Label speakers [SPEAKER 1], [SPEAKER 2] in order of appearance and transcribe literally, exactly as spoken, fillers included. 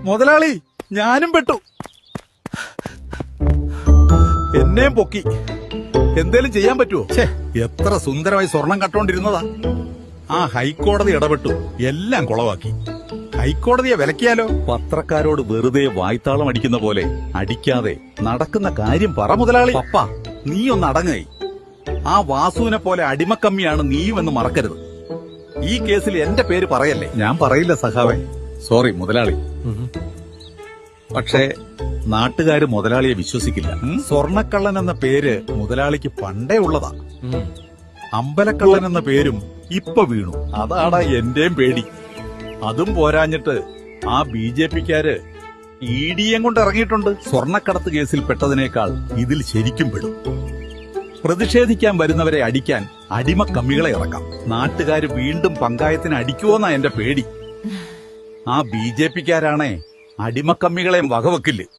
[SPEAKER 1] മുതലാളി ഞാനും പെട്ടു. എന്നെയും പൊക്കി. എന്തേലും ചെയ്യാൻ പറ്റുമോ? ഛേ, എത്ര സുന്ദരമായി സ്വർണം കട്ടോണ്ടിരുന്നതാ. ആ ഹൈക്കോടതി ഇടപെട്ടു, എല്ലാം കുളവാക്കി. ഹൈക്കോടതിയെ വിലക്കിയാലോ? പത്രക്കാരോട് വെറുതെ വായ്ത്താളം അടിക്കുന്ന പോലെ അടിക്കാതെ നടക്കുന്ന കാര്യം പറ മുതലാളി. പപ്പ, നീ ഒന്ന് അടങ്ങായി. ആ വാസുവിനെ പോലെ അടിമക്കമ്മിയാണ് നീയുമെന്ന് മറക്കരുത്. ഈ കേസിൽ എന്റെ പേര് പറയല്ലേ. ഞാൻ പറയില്ല സഖാവേ. സോറി മുതലാളി. പക്ഷേ നാട്ടുകാര് മുതലാളിയെ വിശ്വസിക്കില്ല. സ്വർണക്കള്ളൻ എന്ന പേര് മുതലാളിക്ക് പണ്ടേ ഉള്ളതാ. അമ്പലക്കള്ളൻ എന്ന പേരും ഇപ്പൊ വീണു. അതാടാ എന്റെയും പേടി. അതും പോരാഞ്ഞിട്ട് ആ ബി ജെ പിക്കാര് ഇ ഡിയും കൊണ്ട് ഇറങ്ങിയിട്ടുണ്ട്. സ്വർണക്കടത്ത് കേസിൽ പെട്ടതിനേക്കാൾ ഇതിൽ ശരിക്കും പെടും. പ്രതിഷേധിക്കാൻ വരുന്നവരെ അടിക്കാൻ അടിമക്കമ്മികളെ ഇറക്കാം. നാട്ടുകാര് വീണ്ടും പങ്കായത്തിന് അടിക്കുവോന്നാ എന്റെ പേടി. ആ ബി ജെ പിക്കാരാണേ അടിമക്കമ്മികളെയും വകവെക്കില്ല.